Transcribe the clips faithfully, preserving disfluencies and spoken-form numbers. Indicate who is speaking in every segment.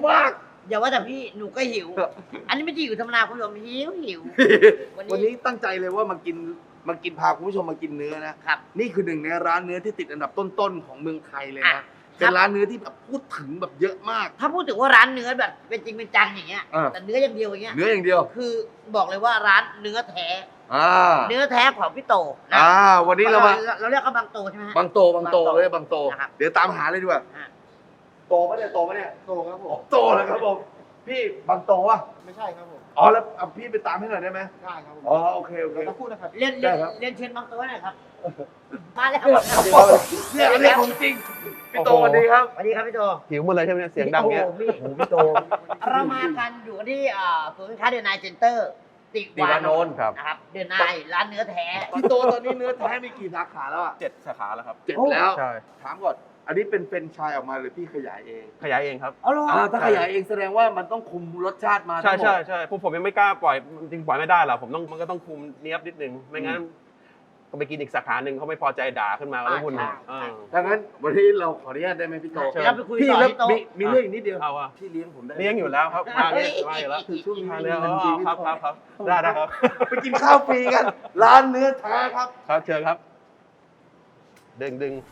Speaker 1: มาก
Speaker 2: อย่าว่าแต่พี่หนูก็หิวอันนี้ไม่ใช่หิวธรรมดาคุณผู้ชมหิวหิว
Speaker 1: วันนี้ตั้งใจเลยว่ามากินมากินพาคุณผู้ชมมากินเนื้อนะครับนี่คือหนึ่งในร้านเนื้อที่ติดอันดับต้นๆของเมืองไทยเลยนะเป็นร้านเนื้อที่แบบพูดถึงแบบเยอะมาก
Speaker 2: ถ้าพูดถึงว่าร้านเนื้อแบบเป็นจริงเป็นจังอย่างเงี้ยแต่เนื้ออย่างเดียวอย่างเงี้ย
Speaker 1: เนื้ออย่างเดียว
Speaker 2: คือบอกเลยว่าร้านเนื้อแท้เนื้อแท้ของพี่โตนะ
Speaker 1: อ่าวันนี้เรามา
Speaker 2: เราเรียกเขาบางโตใช่ไหม
Speaker 1: บางโตบางโตเลยบางโตเดี๋ยวตามหาเลยดีกว่าโตปะเนี่ยโตปะเนี่ย
Speaker 3: โตครับผม
Speaker 1: โตแล้วครับผมพี่บางโตวะ
Speaker 3: ไม่ใช่ครับผม
Speaker 1: อ๋อแล้วพี่ไปตามให้หน่อยได้ไหม
Speaker 3: ได้ครับผม
Speaker 1: อ๋อโอเคโอเค
Speaker 3: เราพูดนะครับ
Speaker 2: เรียนเรียนเรียนเชิญบางโตหน่อยครับมาแล้ว
Speaker 1: เนี่ยอันนี้ของจริงพี่โตสวัสดีครับ
Speaker 2: สวัสดีครับพี่โต
Speaker 4: หิวหมดเลยใช่ไหมเสียงดังเงี้ย
Speaker 2: พี่โตเรามากันอยู่ที่ศูนย์การค้าเดนไนเซ็นเตอร์ติวานนท์นะครับเดนไนร้านเนื้อแท้
Speaker 1: พี่โตตอนนี้เนื้อแท้มีกี่สาขาแล้วอ่ะ
Speaker 4: เจ็ดสาขาแล้วครับ
Speaker 1: เจ็ดแล้ว
Speaker 4: ใช่
Speaker 1: ถามก่อนอันนี้เป็นเป็นชายออกมาหรือพี่ขยายเอง
Speaker 4: ขยายเองครับ
Speaker 2: อ๋อเหรอ
Speaker 1: ถ้าขยายเองแสดงว่ามันต้องคุมรสชาติมา
Speaker 4: ใช่ใช่ใช่ผมผมยังไม่กล้าปล่อยจริงปล่อยไม่ได้หรอกผมต้องมันก็ต้องคุมเนี้ยบนิดนึงไม่งั้นก็ไปกินอีกสาขาหนึ่งเขาไม่พอใจด่าขึ้นมาแล้ววุ่น
Speaker 1: ดังนั้นวันนี้เราขออนุญาตได้ไหมพี่โต
Speaker 2: พี่
Speaker 1: แล้วมีมีเรื่องอีกนิดเดียวพี่เลี้ยงผมได้
Speaker 4: เลี้ยงอยู่แล้วครับมาเลี้ยงมาอยู่แล้ว
Speaker 1: คือช่วงนี้
Speaker 4: เลี้ยงครับครับครับได้ได้ครับ
Speaker 1: ไปกินข้าวฟรีกันร้านเนื้อแท้ครับ
Speaker 4: ครับเชิญครับดึงดึง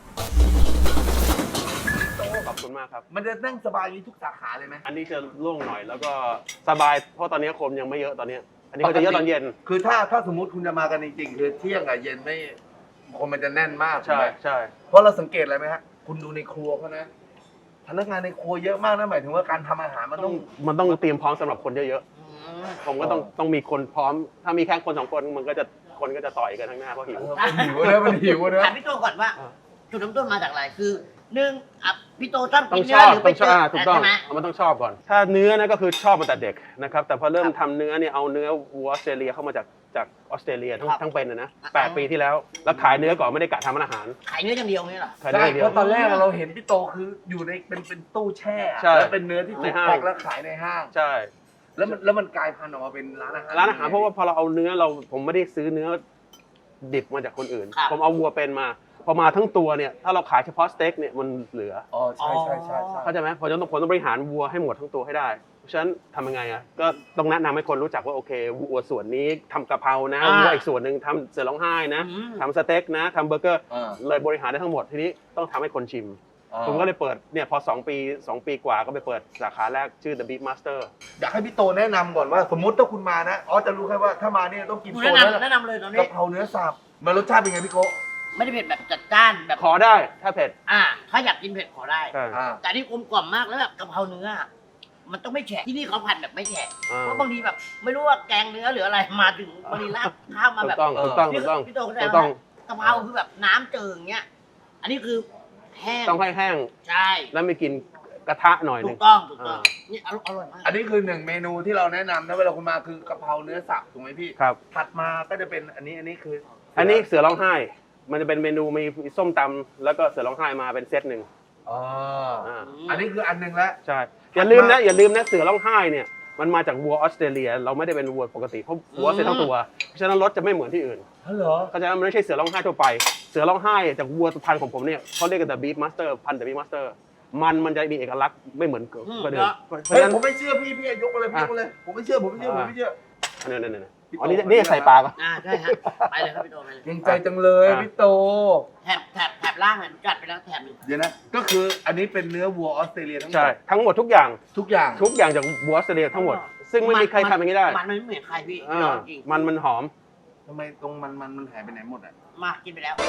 Speaker 4: ขอบคุณมากครับ
Speaker 1: มันจะนั่งสบายนี้ทุกสาขาเลยไหม
Speaker 4: อันนี้จะโล่งหน่อยแล้วก็สบายเพราะตอนนี้คนยังไม่เยอะตอนนี้อันนี้เขาจะเยอะตอนเย็น
Speaker 1: คือถ้าถ้าสมมติคุณจะมากันจริงๆคือเที่ยงกับเย็นไม่คนมันจะแน่นมาก
Speaker 4: ใช่ใช่
Speaker 1: เพราะเราสังเกตอะไรไหมฮะคุณดูในครัวเขานะพนักงานในครัวเยอะมากนะหมายถึงว่าการทำอาหารมันต้อง
Speaker 4: มันต้องเตรียมพร้อมสำหรับคนเยอะๆผมก็ต้องต้องมีคนพร้อมถ้ามีแค่คนสองคนมันก็จะคนก็จะต่อยกันทั้งหน้าเพราะหิว
Speaker 1: หิวเลยมันหิวเลย
Speaker 2: ถามพี่โตก่อนว่าจุดเริ่มต้นมาจากอะไรคือหนึ่งอ่ะพี่โตชอบ
Speaker 4: กิ
Speaker 2: น
Speaker 4: เนื้อหรือไปเจอถูกต้องมันต้องชอบก่อนถ้าเนื้อนะก็คือชอบมาแต่เด็กนะครับแต่พอเริ่มทำเนื้อเนี่ยเอาเนื้อวัวออสเตรเลียเข้ามาจากจากออสเตรเลียทั้งทั้งเป็นนะแปดปีที่แล้วแล้วขายเนื้อก่อนไม่ได้กะทำอาหาร
Speaker 2: ขายเนื้ออย่างเดียวนี่หรอ
Speaker 1: ใช่เพราะตอนแรกเราเห็นพี่โตคืออยู่ในเป็นเป็นตู้แช่แล้วเป็นเนื้อที่ถูกแพ็คแล้วขายในห้าง
Speaker 4: ใช่
Speaker 1: แล้วมันแล้วมันกลายพันธุ์ออกมาเป็นร้านอาหาร
Speaker 4: ร้านอาหารเพราะว่าพอเราเอาเนื้อเราผมไม่ได้ซื้อเนื้อดิบมาจากคนอื่นผมเอาวัวเป็นมาพอมาทั้งตัวเนี่ยถ้าเราขายเฉพาะสเต็กเนี่ยมันเหลือ
Speaker 1: อ๋อใช่ใช่ใช่
Speaker 4: เข้าใจไหมพอจะต้องผลต้องบริหารวัวให้หมดทั้งตัวให้ได้เพราะฉะนั้นทำยังไงอ่ะก็ต้องแนะนำให้คนรู้จักว่าโอเควัวส่วนนี้ทำกะเพรานะวัวอีกส่วนหนึ่งทำเสือร้องไห้นะทำสเต็กนะทำเบอร์เกอร์เลยบริหารได้ทั้งหมดทีนี้ต้องทำให้คนชิมผมก็เลยเปิดเนี่ยพอสองปีสองปีกว่าก็ไปเปิดสาขาแรกชื่อ The Beef Master
Speaker 1: อยากให้พี่โตแนะนำก่อนว่าสมมติถ้าคุณมานะอ๋อจะรู้แค่ว่าถ้ามาเนี่ยต้องกินโซน
Speaker 2: แนะนำเลยตอนนี้
Speaker 1: กะเพราเนื้อสับมันรสชาติเป็นไงพี่โก
Speaker 2: ไม่ได้เผ็ดแบบจัดจ้านแบบ
Speaker 4: ขอได้ถ้าเผ็ด
Speaker 2: อ่าถ้าอยากกินเผ็ดขอได้แต่ที่กลมกล่อมมากแล้วแบบกะเพราเนื้อมันต้องไม่แฉะที่นี่เขาผัดแบบไม่แฉะเพราะบางทีแบบไม่รู้ว่าแกงเนื้อหรืออะไรมาถึงบริลาดข้าวมาแบบ
Speaker 4: ถูกต้องถูกต้อง
Speaker 2: พี่โตเขาใจว่ากะเพราคือแบบน้ำเจิงเงี้ยอันนี้คือแห้ง
Speaker 4: ต้องให้แห้ง
Speaker 2: ใช่
Speaker 4: แล้วไม่กินกระทะหน่อยนึง
Speaker 2: ถูกต้องถูกต้องนี่อร่อยมาก
Speaker 1: อันนี้คือหนึ่งเมนูที่เราแนะนำนะเวลาคุณมาคือกะเพราเนื้อสับถูกไหมพี่
Speaker 4: ครับ
Speaker 1: ถัดมาก็จะเป็นอันนี้อันนี้คือ
Speaker 4: อันนี้เสือร้องไห้มันจะเป็นเมนูมีส้มตำแล้วก็เสือร้องไห้มาเป็นเซตหนึ่ง
Speaker 1: อ๋ออันนี้คืออันหนึ่งแล้ว
Speaker 4: ใช่อย่าลืมนะอย่าลืมนะเสือร้องไห้เนี่ยมันมาจากวัวออสเตรเลียเราไม่ได้เป็นวัวปกติเพราะวัวเสร็จทั้งตัวเพราะฉะนั้นรสจะไม่เหมือนที่อื่น
Speaker 1: เหรอ
Speaker 4: เพราะฉะนั้นมันไม่ใช่เสือร้องไห้ทั่วไปเสือร้องไห้จากวัวพันธุ์ของผมเนี่ยเขาเรียกกันแต่ Beef Master พันธุ์ The Beef Master มันมันจะมีเอกลักษณ์ไม่เหมือนคนอื่น
Speaker 1: เพราะฉะนั้นผมไม่เชื่อพี่พี่ยกมาเลยพี่ยกมาเลยผมไม่เชื่อผมไม่เชื่อผมไม่เชื่อ
Speaker 4: นี่นี่นี่อ๋อนี่นี่ใส่ปลาก็
Speaker 2: อ่าใช่ฮะไปเลยครับพี่โตไปเลย
Speaker 1: ยังใจจังเลยพี่โต
Speaker 2: แถบแถบแถบล่างอ่ะจัดไปแล้วแถบหนึ่ง
Speaker 1: เดี๋ยวนะก็คืออันนี้เป็นเนื้อวัวออสเตรเลียทั้งหมด
Speaker 4: ใช่ทั้งหมดทุกอย่าง
Speaker 1: ทุกอย่าง
Speaker 4: ทุกอย่างจากวัวออสเตรเลียทั้งหมดซึ่งไม่มีใครทำอย่างนี้ได้
Speaker 2: มันไม่เหมือนใครพี่จริง
Speaker 4: มันมันหอม
Speaker 1: ทำไมตรงมันมันมันหายไปไหนหมดอ่ะ
Speaker 2: มากินไปแล้ว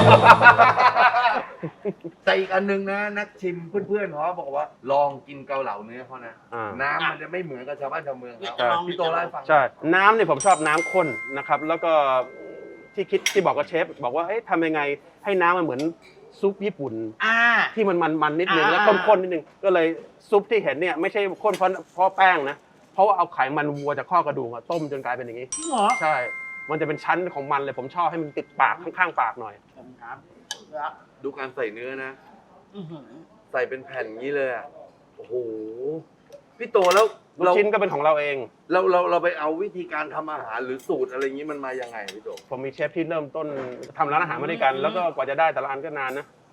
Speaker 1: แต่อีกอันนึงนะนักชิมเพื่อนๆเขาบอกว่าลองกินเกาเหลาเนื้อเขานะน้ำมันจะไม่เหมือนกับชาวบ้านชาวเมืองเขาพี่โตเล่าให้ฟัง
Speaker 4: ใช่น้ำเนี่ยผมชอบน้ำข้นนะครับแล้วก็ที่คิดที่บอกกับเชฟบอกว่าเอ๊ะทำยังไงให้น้ำมันเหมือนซุปญี่ปุ่นที่มันมันมันนิดนึงแล้วข้นๆนิดนึงก็เลยซุปที่เห็นเนี่ยไม่ใช่ข้นเพราะเพราะแป้งนะเพราะว่าเอาไขมันวัวจากข้อกระดูกต้มจนกลายเป็นอย่างนี้
Speaker 2: จริงเหรอ
Speaker 4: ใช่มันจะเป็นชั้นของมันเลยผมชอบให้มันติดปากข้างๆปากหน่อย
Speaker 1: ดูการใส่เนื้อนะใส่เป็นแผ่นนี้เลยอ่ะโอ้โหพี่โตแล้ว
Speaker 4: ลูกชิ้นก็เป็นของเราเอง
Speaker 1: เราเราเราไปเอาวิธีการทำอาหารหรือสูตรอะไรอย่างนี้มันมายังไงพี่โต
Speaker 4: ผมมีเชฟที่เริ่มต้นทำร้านอาหารมาด้วยกันแล้วก็กว่าจะได้แต่ละอันก็นานนะ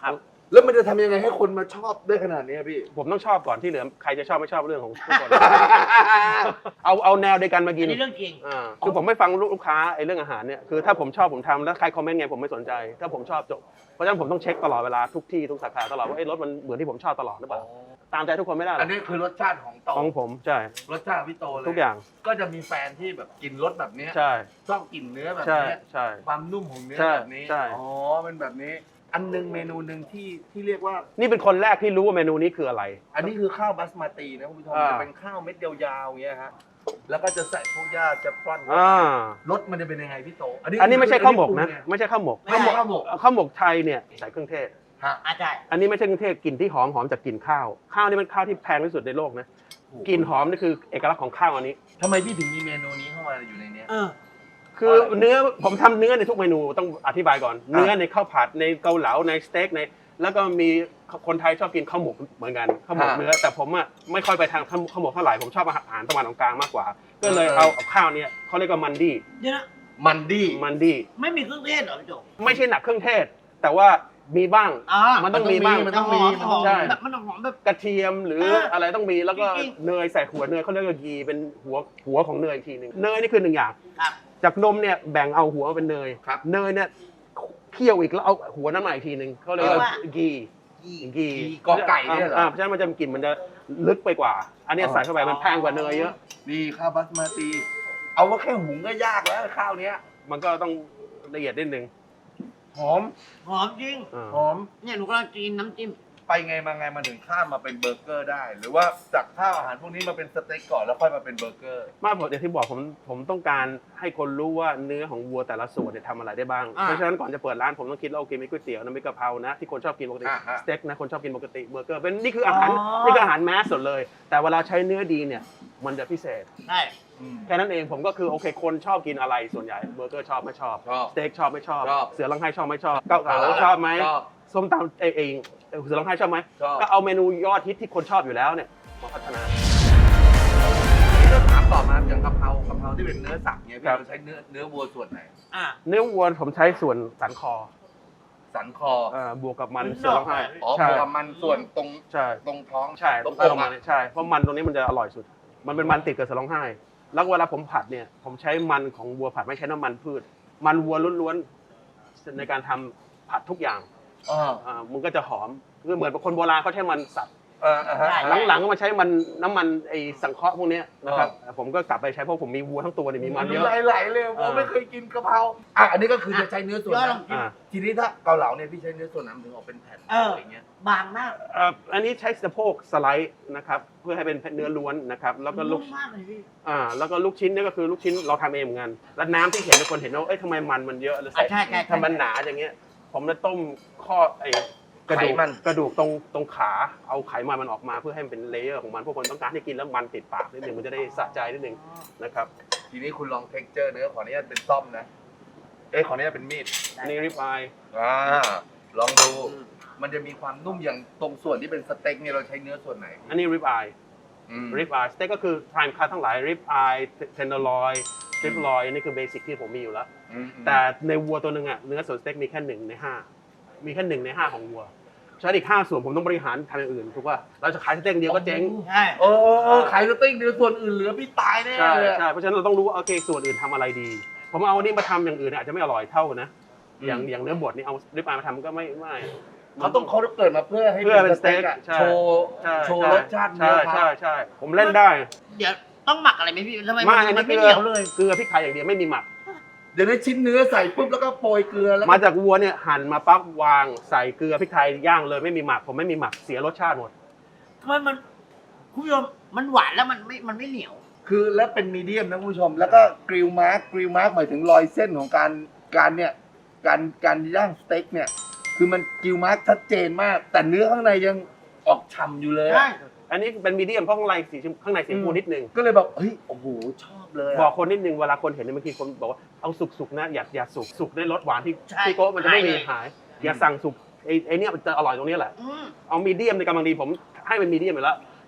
Speaker 1: แล้วมันจะทำยังไงให้คนมาชอบได้ขนาดนี้พี่
Speaker 4: ผมต้องชอบก่อนที่เหลือใครจะชอบไม่ชอบเรื่องของทุกคน เอาเอาแนวเดียวกันมากิ
Speaker 2: อั
Speaker 4: น
Speaker 2: นนี้เรื่องจริง
Speaker 4: อ่าคือผมไม่ฟังลูกค้าไอ้เรื่องอาหารเนี่ยคือถ้าผมชอบผมทำแล้วใครคอมเมนต์ไงผมไม่สนใจถ้าผมชอบจบเพราะฉะนั้นผมต้องเช็คตลอดเวลาทุกที่ทุกสาขาตลอดว่าไอ้รสมันเหมือนที่ผมชอบตลอดหรือเปล่าตามใจทุกคนไม่ได้หร
Speaker 1: อั
Speaker 4: อน ก
Speaker 1: นี้คือรสชาติของโต
Speaker 4: ของผมใช่
Speaker 1: รสชาติของพี่โตเลย
Speaker 4: ทุกอย่าง
Speaker 1: ก็จะมีแฟนที่แบบกินรสแบบเนี้ย
Speaker 4: ใช่
Speaker 1: ชอบกินเนื้อแบบ
Speaker 4: ใช่
Speaker 1: เนี้ย
Speaker 4: ใช่
Speaker 1: ความนุ่มของเนื้อ
Speaker 4: ใช่
Speaker 1: แบบนี้
Speaker 4: ใช่
Speaker 1: อ๋อเป็นแบบนี้ อันหนึงเมนูหนึ่งที่ที่เรียกว่า
Speaker 4: นี่เป็นคนแรกที่รู้ว่าเมนูนี้คืออะไร
Speaker 1: อันนี้คือข้าวบัสมาตินะคุณผู้ชม
Speaker 4: อ่า
Speaker 1: จะเป็นข้าวเม็ดยาวๆอย่างเงี้ยฮะแล้วก็จะใส่พวกหญ้าแจะฟรอน
Speaker 4: อ่า
Speaker 1: รสมันจะเป็นยังไงพี่โต
Speaker 4: อันนี้ไม่ใช่ข้าวหมกนะ
Speaker 1: อั
Speaker 4: ไม่ใช่ข้าวหมก
Speaker 2: ไม่ใช่
Speaker 1: ข้าวหมก
Speaker 4: ข้าวหมกไทยเนี่ยใส่เครื่องเทศ
Speaker 1: ฮะ
Speaker 2: อาจารย์
Speaker 4: อันนี้ไม่ใช่เครื่องเทศกลิ่นที่หอมหอมจากกลิ่นข้าว ข้าวนี่เป็นข้าวที่แพงที่สุดในโลกนะกลิ่นหอมนี่คือเอกลักษณ์ของข้าวอันนี้
Speaker 1: ทำไมพี่ถึงมีเมนูนี้เข้ามาอยู่ในเนี้ย
Speaker 2: เออ
Speaker 4: คือเนื้อผมทำเนื้อในทุกเมนูต้องอธิบายก่อน เนื้อในข้าวผัดในเกาเหลาในสเต็กในแล้วก็มีคนไทยชอบกินข้าวหมกเหมือนกันข้าวหมก
Speaker 1: ฮะ
Speaker 4: เนื้อแต่ผมอ่ะไม่ค่อยไปทางข้าวข้าวหมกเท่าไหร่ผมชอบอาหารตะวันออกกลางมากกว่า ก็เลยเอาเอาข้าวเนี่ยเขาเรียกว่ามันดี้
Speaker 2: เดี๋ยวนะ
Speaker 1: มันดี้
Speaker 4: มันดี้
Speaker 2: ไม่มีเครื่องเทศเหรอพี่โจ
Speaker 4: ไม่ใช่หนักเครื่องเทศ แต่ว่ามีบ้าง
Speaker 2: อ่า
Speaker 4: มันต้องมีบ้าง
Speaker 1: มันต้องมี
Speaker 2: หอ
Speaker 1: มันต้อง
Speaker 2: ห
Speaker 1: ใช่
Speaker 2: แบบมันหอมแบบ
Speaker 4: กระเทียมหรือ
Speaker 2: เอออ
Speaker 4: อะไรต้องมีแล้วก็
Speaker 2: จริงๆ
Speaker 4: เนยใส่หัวเนยเขาเรียกว่ากีเป็นหัวหัวของเนยอีกทีหนึ่งเนยนี่คือหนึ่งอย่าง
Speaker 2: ครับ
Speaker 4: จากนมเนี่ยแบ่งเอาหัวมาเป็นเนย
Speaker 1: ครับ
Speaker 4: เนยเนี่ยเคี่ยวอีกแล้วเอาหัวนั้นมาอีกทีหนึ่งเขาเรียกว่า
Speaker 2: เรียกว่า
Speaker 4: กี
Speaker 2: ยี่
Speaker 4: กี
Speaker 1: กีกอไก่เนี่ยเหรอ
Speaker 4: อ่าเพราะฉะนั้นมันจะกลิ่นมันจะลึกไปกว่า อันเนี้ย
Speaker 1: อ๋อ
Speaker 4: ใส่เข้าไปมันแพงกว่าเนยเยอะ
Speaker 1: นี่ข้าวบัสมาติเอาว่าแค่หุงก็ยากแล้วข้าวเนี้ย
Speaker 4: มันก็ต้องละเอียดนิดนึง
Speaker 1: หอม
Speaker 2: หอมจริง
Speaker 4: อ่า
Speaker 1: หอม
Speaker 2: เนี่ยหนูกำลังกินน้ำจิ้ม
Speaker 1: ไปไงมาไงมาถึงข้ามมาเป็นเบอร์เกอร์ได้ หรือว่าจากข้าวอาหารพวกนี้มาเป็นสเต็กก่อนแล้วค่อยมาเป็นเบอร์เกอร์
Speaker 4: มากกว่าอย่างที่บอกผมผมต้องการให้คนรู้ว่าเนื้อของวัวแต่ละส่วนเนี่ยทำอะไรได้บ้าง
Speaker 2: อ่า
Speaker 4: เพราะฉะนั้นก่อนจะเปิดร้านผมต้องคิดว่าโอเคมีก๋วยเตี๋ยวนะมีกะเพรานะที่คนชอบกินปกติ
Speaker 1: อ่าฮะ
Speaker 4: สเต็กนะคนชอบกินปกติเบอร์เกอร์เป็นนี่คืออาหาร
Speaker 2: อ๋อ
Speaker 4: นี่คืออาหารแมสสุดเลย แต่เวลาใช้เนื้อดีเนี่ยมันจะพิเศษ
Speaker 2: ใช่
Speaker 1: อืม
Speaker 4: แค่นั้นเองผมก็คือโอเคคนชอบกินอะไรส่วนใหญ่เบอร์เกอร์ชอบไม่ชอบ
Speaker 1: ชอบ
Speaker 4: สเต็กชอบไม่ชอบ
Speaker 1: ชอบ
Speaker 4: เสือร้องไห้ชอบไม่ชอบเกาเหลาชอบไหม
Speaker 1: ชอบ
Speaker 4: ส้มตำเองเองเสือร้องไห้ชอบไหม
Speaker 1: ชอบ
Speaker 4: ก็เอาเมนูยอดฮิตที่คนชอบอยู่แล้วเนี่ยมาพัฒนา
Speaker 1: นี่ก็ถามต่อมาอย่างกะเพรากะเพราที่เป็นเนื้อสับเนี่ยพี่
Speaker 4: ครับ
Speaker 1: เราใช้เนื้อเนื้อวัวส่วนไหน
Speaker 2: อ่ะ
Speaker 4: เนื้อวัวผมใช้ส่วนสันคอ
Speaker 1: สันคอ
Speaker 4: เอ่อบวกกับมัน
Speaker 2: มัน
Speaker 4: เสือร้องไห้
Speaker 1: อ๋อ
Speaker 4: ใช่
Speaker 1: บวกกับมันส่วนตรง
Speaker 4: ใช่
Speaker 1: ตรงท้อง
Speaker 4: ใช่
Speaker 1: ตรง
Speaker 4: เอ
Speaker 1: อก
Speaker 4: อมา
Speaker 1: อะ
Speaker 4: เนี่ยใช่เพราะมันตรงนี้มันจะอร่อยสุด มันเป็นมันติดกับเสือร้องไห้ แล้วเวลาผมผัดเนี่ยผมใช้มันของวัวผัดไม่ใช้น้ำมันพืช มันวัวล้วนๆในการทำผัดทุกอย่าง
Speaker 1: อ่า
Speaker 4: อ่ามันก็จะหอมคือเหมือนคนโบราณเขาใช้มันสัตว์
Speaker 1: เอออ่าฮะ
Speaker 4: หลังๆก็มาใช้มันน้ำมันไอ้สังเคราะห์พวกเนี้ยนะครับผมก็กลับไปใช้เพราะผมมีวัวทั้งตัวเนี่ยมีมันเยอะ
Speaker 1: ไหลๆเลยผม
Speaker 4: อ่า
Speaker 1: ไม่เคยกินกะเพราอ่ะอันนี้ก็คือจะใช้เนื้อส่วน
Speaker 2: ยอดล
Speaker 1: นั้
Speaker 2: อน งกิน
Speaker 4: อ่า
Speaker 1: ทีนี้ถ้าเกาเหลาเนี่ยพี่ใช้เนื้อส่วนนั้นถึงออกเป็นแผ่น
Speaker 2: เอออ
Speaker 1: อะไรเงี้ย
Speaker 2: บางมาก
Speaker 4: เอ่ออันนี้ใช้สะโพกสไลด์นะครับเพื่อให้เป็นเนื้อล้วนนะครับแล้วก็ลู
Speaker 2: นุ่
Speaker 4: ก
Speaker 2: มมากเลยพี่
Speaker 4: อ่าแล้วก็ลูกชิ้นเนี่ยก็คือลูกชิ้นเราทำเองเหมือนกันแล้วน้ำที่เห็นคนเห็นว่าเอ้ยทำไมมันมันเยอะแล้วใส่
Speaker 2: อ่ะใช่ใช่ใช่
Speaker 4: ทำมันหนาอย่างเงี้ย ผมจะต้มข้อไอ้กระดูก
Speaker 1: ไขมัน
Speaker 4: กระดูกตรงตรงขาเอาไขมันมันออกมาเพื่อให้มันเป็นเลเยอร์ของมันพวกคนต้องการให้กินแล้วมันติดปากนิดนึงมันจะได้สะใจนิดนึงนะครับ
Speaker 1: ทีนี้คุณลองเท็กเจอร์เนื้อขออนุญาตเป็นซ่อมนะ เอ๊ะขออนุญาตเป็นมีด
Speaker 4: อันนี้ริบอาย
Speaker 1: อ่าลองดู มันจะมีความนุ่มอย่างตรงส่วนที่เป็นสเต็กเนี่ยเราใช้เนื้อส่วนไหน
Speaker 4: อันนี้ริบอาย
Speaker 1: อืม
Speaker 4: ริบอายสเต็กก็คือพรายม์คัททั้งหลายริบอายเทนเดอร์ลอยริบลอยนี่คือเบสิกที่ผมมีอยู่แล้ว
Speaker 1: อืม
Speaker 4: แต่ในวัวตัวหนึ่งอ่ะเนื้อส่วนสเต็กมีแค่หนึ่งในห้ามีแค่หนึ่งในห้าของวัวฉะนั้นอีกห้าส่วนผมต้องบริหารทำอย่างอื่นถูกป่ะเราจะขายสเต็กเดียวก็เจ๊ง
Speaker 2: ใช่
Speaker 1: เออเออเออขายสเต็กเนื้อส่วนอื่นเหลือพี่ตายแน่
Speaker 4: ใช่
Speaker 1: เลย
Speaker 4: ใช่เพราะฉะนั้นเราต้องรู้ว่าโอเคส่วนอื่นทำอะไรดี ผมเอาอันนี้มาทำอย่างอื่นเนี่ยอาจจะไม่อร่อยเท่านะ อย่างอย่างเนื้อบดนี่เอาริบอายมาทำก็ไม่ไม่
Speaker 1: เขาต้องเขาเกิดมาเพื่อให้
Speaker 4: เพื่อเป็นสเต็ก
Speaker 1: อะ
Speaker 4: ใช่
Speaker 1: โชว์
Speaker 4: ใช่
Speaker 1: โชว์
Speaker 4: ใช่
Speaker 1: รสชาติเนื้
Speaker 4: ใช่
Speaker 1: อ
Speaker 4: ใช่
Speaker 1: เขา
Speaker 4: ใช่ผมเล่นได้
Speaker 2: เดี๋ยวต้องหมักอะไรไหมพี่ทำไม
Speaker 4: ไม่
Speaker 2: มัน
Speaker 4: อัน
Speaker 2: มั
Speaker 4: นี้
Speaker 2: น
Speaker 4: เก
Speaker 2: ไม่
Speaker 4: ลื
Speaker 2: เห
Speaker 4: อ
Speaker 2: นียวเลย
Speaker 4: เกลือพริกไทยอย่างเดียวไม่มีหมัก
Speaker 1: เดี๋ยวได้ชิ้นเนื้อใส่ปุ๊บแล้วก็โปรยเกลือแล้วก็
Speaker 4: มาจากวัวเนี่ยหั่นมาปั๊บวางใส่เกลือพริกไทยย่างเลยไม่มีหมักผมไม่มีหมักเสียรสชาติหมด
Speaker 2: ทำไมมันคุณผู้ชมมันหวานแล้วมันไม่มันไม่เหนียว
Speaker 1: คือแล้วเป็นมีเดียมนะคุณผู้ชม แล้วก็กริลมาร์กกริลมาร์กหมายถึงรอยเส้นของการการเนี่ยการการย่างสเต็กเนี่ยคือมันกริลมาร์กชัดเจนมาก แต่เนื้อข้างในยังออกฉ่ำอยู่เลยอะ
Speaker 2: ใช่
Speaker 4: อันนี้เป็นมีเดียมเพราะข้างในสีชมข้างในสีชมพูนิดนึง
Speaker 1: ก็เลยแบบเฮ้ยโอ้โหชอบเลยะ
Speaker 4: บอกคนนิดนึงเวลาคนเห็นเนี่ยบางทีคนบอกว่าเอาสุกๆนะอย่าอย่าสุกสุกได้รสหวานที่
Speaker 2: ใช่
Speaker 4: ที่โก๊ะมันจะไม่มี
Speaker 2: หายเลย
Speaker 4: หาย อย่าสั่งสุกไอ้ไอ้เนี่ยมันจะอร่อยตรงนี้แหละ
Speaker 2: อืม
Speaker 4: เอามีเดียมในกำลังดีผมให้เป็นมีเดียมไปแล้ว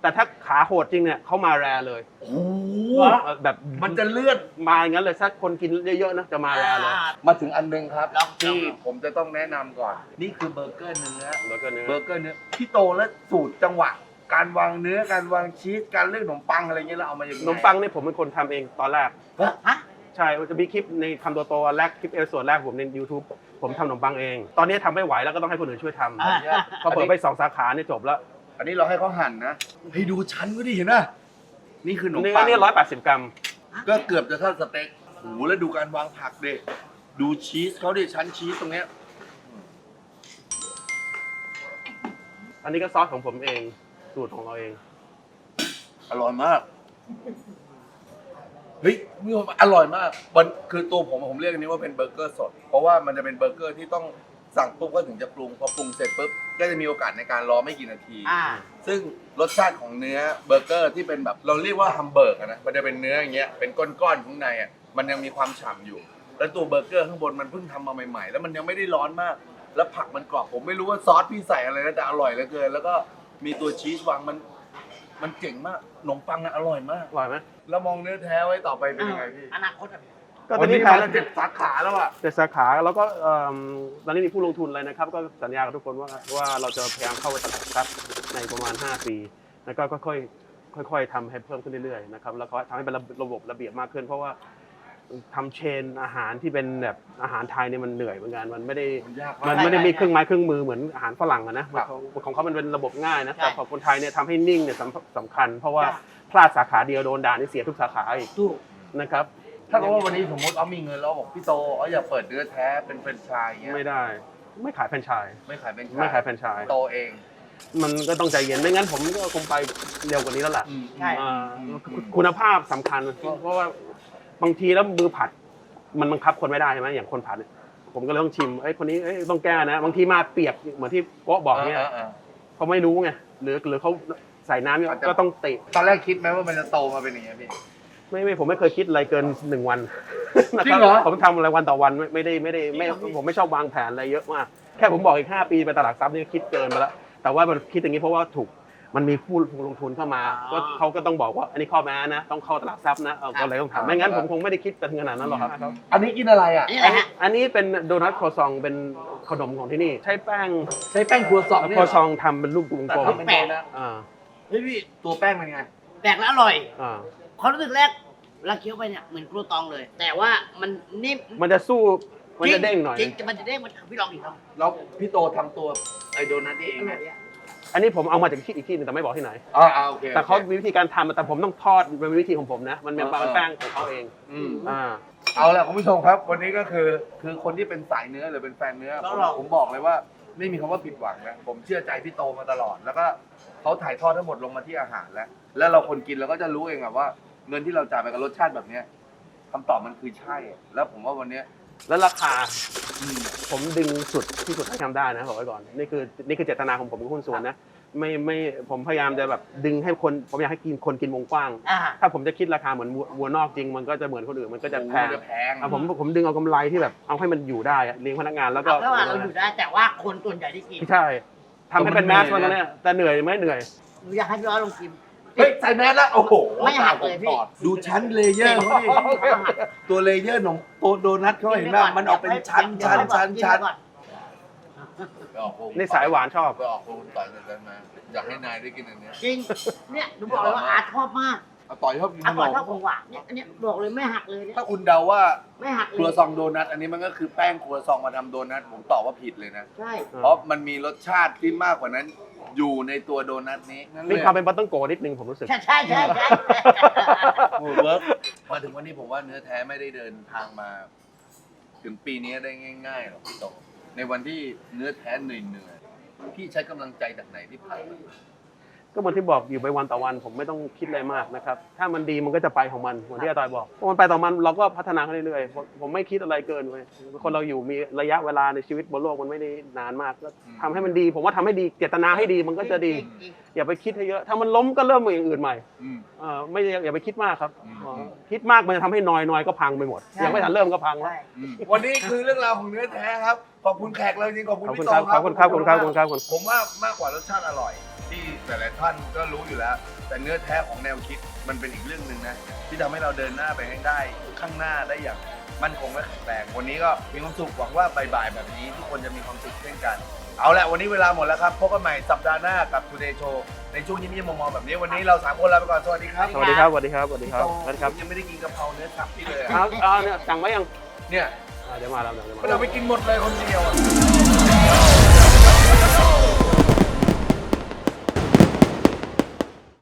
Speaker 4: แต่ถ้าขาโหดจริงเนี่ยเขามาแรเลย
Speaker 1: โอ้โห
Speaker 4: แบบ
Speaker 1: มันจะเลื่อน
Speaker 4: มาอย่างนั้นเลยถ้าคนกินเยอะๆนะจะมาแรเลย
Speaker 1: มาถึงอันหนึงครับ
Speaker 2: ลอง
Speaker 1: ที่
Speaker 2: ลอง
Speaker 1: ผมจะต้องแนะนำก่อน นี่คือเบอร์เกอร์เนื้อ
Speaker 4: แล้วก็เนื้อ
Speaker 1: เบอร์เกอร์เนื้อพี่โตและสูตรจังหวะ การวางเนื้อการวางชีสการเลือกขนมปังอะไรเงี้ยเราเอามาอย่าง
Speaker 4: ข
Speaker 1: ไง
Speaker 4: นมปังเนี่ยผมเป็นคนทำเองตอนแรก
Speaker 2: ฮะ
Speaker 4: ใช่จะมีคลิปในทำตัวโตแรกคลิปเอพิโซดแรกผมใน YouTube ผมทำขนมปังเอง ตอนนี้ทำไม่ไหวแล้วก็ต้องให้คนอื่นช่วยทำ
Speaker 2: อ่า
Speaker 4: พอเปิดไปสองสาขาเนี่ยจบแล้ว
Speaker 1: อันนี้เราให้เขาหั่นนะให้ดูชั้นก็ดิเห็นป่ะนี่คือขนม
Speaker 4: เนื้อ
Speaker 1: ปัง
Speaker 4: เนี่ยร้อยแปดสิบกรัม
Speaker 1: ก็เกือบจะเท่าสเต็กโอ้โหแล้วดูการวางผักดิ ดูชีสเขาดิชั้นชีสตรงเนี้ย
Speaker 4: อันนี้ก็ซอสของผมเองสูตรของเราเอง
Speaker 1: อร่อยมาก เฮ้ยมีความอร่อยมากมันคือตัวผมผมเรียกอันนี้ว่าเป็นเบอร์เกอร์สด เพราะว่ามันจะเป็นเบอร์เกอร์ที่ต้องสั่งปุ๊บก็ถึงจะปรุง พอปรุงเสร็จปุ๊บก็จะมีโอกาสในการรอไม่กี่นาที
Speaker 2: อ่า
Speaker 1: ซึ่งรสชาติของเนื้อเบอร์เกอร์ที่เป็นแบบเราเรียกว่าฮัมเบอร์กอะนะ มันจะเป็นเนื้ออย่างเงี้ย เป็นก้อนๆข้างในอ่ะ มันยังมีความฉ่ำอยู่ แล้วตัวเบอร์เกอร์ข้างบนมันเพิ่งทำมาใหม่ๆ แล้วมันยังไม่ได้ร้อนมาก แล้วผักมันกรอบ ผมไม่รู้ว่าซอสพี่ใส่อะไรนะแต่อร่อยเหลือเกิน แล้วก็มีตัวชีสวางมัน มันเจ๋งมาก ขนมปังอะอร่อยมาก
Speaker 4: อร่อยไหม
Speaker 1: แล้วมองเนื้อแท้ไว้ต่อไปเป็นยังไงพี่
Speaker 2: อนาคตอะ
Speaker 4: ก็ตอนนี้แพ้
Speaker 1: มา
Speaker 4: แล้ว
Speaker 1: เจ็ดสาขาแล้วอ่ะ
Speaker 4: เจ็ดสาขาแล้วก็เอิ่มตอนนี้มีผู้ลงทุนอะไรนะครับ ก็สัญญากับทุกคนว่าว่าเราจะพยายามเข้าไปตลาดทรัพย์ในประมาณห้าปีแล้วก็ค่อยๆค่อยๆทำให้เพิ่มขึ้นเรื่อยๆนะครับแล้วก็ทำให้เป็นระบบระเบียบมากขึ้น เพราะว่าทำเชนอาหารที่เป็นแบบอาหารไทยเนี่ยมันเหนื่อยเหมือนกันมันไม่ได้
Speaker 1: มันยาก
Speaker 4: มัน
Speaker 1: มาก
Speaker 4: ไม่ได้มีเครื่องไม้เครื่องมือเหมือนอาหารฝรั่งอะนะของของเขามันเป็นระบบง่ายนะแต่ของคนไทยเนี่ยทำให้นิ่งเนี่ยสำสำคัญ เพราะว่าพลาดสาขาเดียวโดนด่านี่เสียทุกสาขาอีก
Speaker 2: ถูก
Speaker 4: นะครับ
Speaker 1: ถ้าเกิดว่าวันนี้สมมติเอามีเงินแล้วบอกพี่โตเอาอยากเปิดเนื้อแท้เป็นแฟรนไชส์อย่างเงี้ย
Speaker 4: ไม่ได้ไม่ขายแฟรนไชส์
Speaker 1: ไม่ขายเป็น
Speaker 4: ไม่ขายแฟรนไชส์
Speaker 1: โตเอง
Speaker 4: มันก็ต้องใจเย็นไม่งั้นผมก็คงไปเร็วกว่านี้แล้วล่ะ
Speaker 2: ใช่
Speaker 4: อ่าคุณภาพสำคัญเพราะเพราะว่าบางทีแล้วมือผัดมันบังคับคนไม่ได้ใช่ไหมอย่างคนผัดเนี่ยผมก็เลยต้องชิมไอ้ยคนนี้เอ้ยต้องแก้นะ บางทีมาเปียกเหมือนที่โป๊ะบอกเนี่ยเขาไม่รู้ไงหรือหรือเขาใส่น้ำเนี่ยก็ต้องติ
Speaker 1: ตอนแรกคิดไหมว่ามันจะโตมาเป็นอย่างเงี้ยพี่
Speaker 4: ไม่ไม่ผมไม่เคยคิดอะไรเกินหนึ่งวัน
Speaker 1: จริงเหรอ
Speaker 4: ผมทำอะไรวันต่อวันไม่ไม่ได้ไม่ได้ไม่ผมไม่ชอบวางแผนอะไรเยอะมากแค่ผมบอกอีกห้าปีไปตลาดทรัพย์นี่คิดเกินไปแล้วแต่ว่ามันคิดอย่างนี้เพราะว่าถูกมันมีผู้ลงทุนเข้ามาก็เขาก็ต้องบอกว่าอันนี้ข้อแม้นะต้องเข้าตลาดทรัพย์นะเออก็เลยต้องทำไม่งั้นผมคงไม่ได้คิดไปถึงขนาดนั้นหรอกครับ
Speaker 1: อันนี้กินอะไรอ่ะ
Speaker 2: นี่แหละฮะ
Speaker 4: อันนี้เป็นโดนัทครัวซองเป็นขนมของที่นี่ ใช้แป้ง
Speaker 1: ใช้แป้งครัวซอง
Speaker 4: ครัวซองทำเป็นรูปวง
Speaker 1: แต่
Speaker 4: กลม
Speaker 1: ทำเป็นโดนัท
Speaker 4: อ่า
Speaker 2: เฮ้ยพี่
Speaker 1: ตัวแป้งเป็นไง
Speaker 2: แปลกและอร่อย
Speaker 4: อ่า
Speaker 2: ความรู้สึกแรกเราเคี้ยวไปเนี่ยเหมือนกรูตองเลย แต่ว่ามันนิ่ม
Speaker 4: มันจะสู้มันจะเด้งหน่อย
Speaker 2: จริงๆมันจะเด้งมันพี่ลองอีกลอง
Speaker 1: แล้วพี่โตทำตัวไอโดนัทนี่เองไหม
Speaker 4: อันนี้ผมเอามาจากที่อีกที่หนึงแต่ไม่บอกที่ไหน
Speaker 1: อ่าอ่าโอเค
Speaker 4: แต่เขามีวิธีการทำแต่ผมต้องทอดเป็นวิธีของผมนะ มันเป็นแป้งของเขาเอง
Speaker 1: อืม
Speaker 4: อ่า
Speaker 1: เอาละคุณผู้ชมครับ วันนี้ก็คือคือคนที่เป็นสายเนื้อหรือเป็นแฟนเนื้อผมผมบอกเลยว่าไม่มีคำว่าผิดหวังนะผมเชื่อใจพี่โตมาตลอด แล้วก็เขาถ่ายทอดทั้งหมดลงมาที่อาหารแล้ว แล้วเราคนกินเราก็จะรู้เองอะว่า เงินที่เราจ่ายไปกับรสชาติแบบเนี้ยคำตอบมันคือใช่ แล้วผมว่าวันเนี้ย
Speaker 4: แล้วราคา
Speaker 1: อืม
Speaker 4: ผมดึงสุดที่สุดที่ทำได้นะบอกไว้ก่อนนี่คือนี่คือเจตนาของผมกับหุ้นส่วนนะไม่ไม่ผมพยายามจะแบบดึงให้คนผมอยากให้กินคนกินวงกว้าง
Speaker 2: อ่า
Speaker 4: ถ้าผมจะคิดราคาเหมือนวัววัวนอกจริงมันก็จะเหมือนคนอื่นมันก็จะแพง
Speaker 1: โอ้โหจะแพง
Speaker 4: อ่ะผมผมดึงเอากำไรที่แบบเอาให้มันอยู่ได้อะเลี้ยงพนักงานแล้วก็
Speaker 2: แล้วว่าเราอยู่ได้แต่ว่าคนส่วนใหญ่ที่กิน
Speaker 4: ใช่ทำให้เป็นแมสมันเนี่ยแต่เหนื่อยไหมเหนื่อย
Speaker 2: หนูอยากให้พี่ร้อยลองชิม
Speaker 1: เฮ้ยใส่แมสแล้วโอ้โห
Speaker 2: ไม่หักเลยพี่
Speaker 1: ดูชั้นเลเยอร์เขาดิตัวเลเยอร์ของตัวโดนัทเขาเห็นไหมมันออกเป็นชั้นชั้นชั้นชั้น
Speaker 4: นี่สายหวานชอบ
Speaker 1: ไปออกคุณต่อยกันมาอยากให้นายได้กินอันเนี้ย
Speaker 2: จริง เนี่ยหนูบอกเลยว่าอาร์ตชอบมาก
Speaker 1: เอาต่อยชอบกินข
Speaker 2: อาร์ต
Speaker 1: น
Speaker 2: บอก
Speaker 1: ม
Speaker 2: ชอบของหวานเนี่ยอันเนี้ยบอกเลยไม่หักเลยเนี่ย
Speaker 1: ถ้าคุณเดาว่า
Speaker 2: ไม่หัก
Speaker 1: ค
Speaker 2: เล
Speaker 1: รัวย ซองโดนัทอันนี้มันก็คือแป้งครัวซองมาทำโดนัทผมตอบว่าผิดเลยนะ
Speaker 2: ใช่
Speaker 1: เพราะมันมีรสชาติที่มากกว่านั้นอยู่ในตัวโดนัทนี้นั่นเล
Speaker 4: มี
Speaker 1: ย
Speaker 4: ความเป็นบัตเติ้ลโกนิดนึงผมรู้สึก
Speaker 2: ใช่ใช่ใช่ใช่
Speaker 1: โอ้เวิร์กมาถึงวันนี้ผมว่าเนื้อแท้ไม่ได้เดินทางมา ถึงปีนี้ได้ง่ายๆหรอกพี่โตในวันที่เนื้อแท้เหนื่อยๆพี่ใช้กำลังใจจากไหนที่ผ่านมา
Speaker 4: ก็เหมือนที่บอกอยู่ไปวันต่อวันผมไม่ต้องคิดอะไรมากนะครับถ้ามันดีมันก็จะไปของมันเหมือนที่อาตอยบอกพอมันไปต่อมันเราก็พัฒนาขึ้นเรื่อยๆผมผมไม่คิดอะไรเกินเลยคนเราอยู่มีระยะเวลาในชีวิตบนโลกมันไม่ได้นานมากก็ทำให้มันดี ผมว่าทำให้ดีเจตนาให้ดีมันก็จะดี อย่าไปคิดให้เยอะถ้ามันล้มก็เริ่มมาอย่างอื่นใหม่
Speaker 1: อืม
Speaker 4: เออไม่อย่าไปคิดมากครับ
Speaker 1: อืม
Speaker 4: เออคิดมากมันจะทำให้นอยนอยก็พังไปหมดยังไม่ทันเริ่มก็พังแล้ว
Speaker 2: ใช่
Speaker 1: วันนี้คือเรื่องราวของเนื้อแท้ครับ ขอบคุณแขกเลยจริงขอบคุณ
Speaker 4: ขอบคุ
Speaker 1: พี่
Speaker 4: ณ
Speaker 1: โต
Speaker 4: ครับ
Speaker 1: ครับ
Speaker 4: ขอบคุณครับขอบคุณครับขอบคุณครับ
Speaker 1: ผมว่ามากกว่ารสชาติอร่อย ที่แต่หลายท่านก็รู้อยู่แล้ว แต่เนื้อแท้ของแนวคิดมันเป็นอีกเรื่องหนึ่งนะที่ทำให้เราเดินหน้าไปให้ได้ข้างหน้าได้อย่างมั่นคงและแข็งแรงวันนี้ก็มีความสุขหวังว่าบ่ายๆแบบนี้ทุกคนจะมีความสุขเช่นกันเอาละวันนี้เวลาหมดแล้วครับพบกันใหม่สัปดาห์หน้ากับ Today Show ในช่วงยิ้มยิ้มมองๆแบบนี้วันนี้เราสามคนลาไปก่อนสวัสดีครับ
Speaker 4: สวัสดีครับสวัสดีครับสวัสดีครับสวัสดีครับ
Speaker 1: ผมยังไม่ได้กินกะเพราเนื้อสับพี่เลยอะ
Speaker 4: ครับอ่าเนี่ยสั่งไว้ยัง
Speaker 1: เนี่ย
Speaker 4: อ่าเดี๋ยวมาแล้วเดี๋ยวมา
Speaker 1: เราไปกินหมดเลยคนเดียวอะ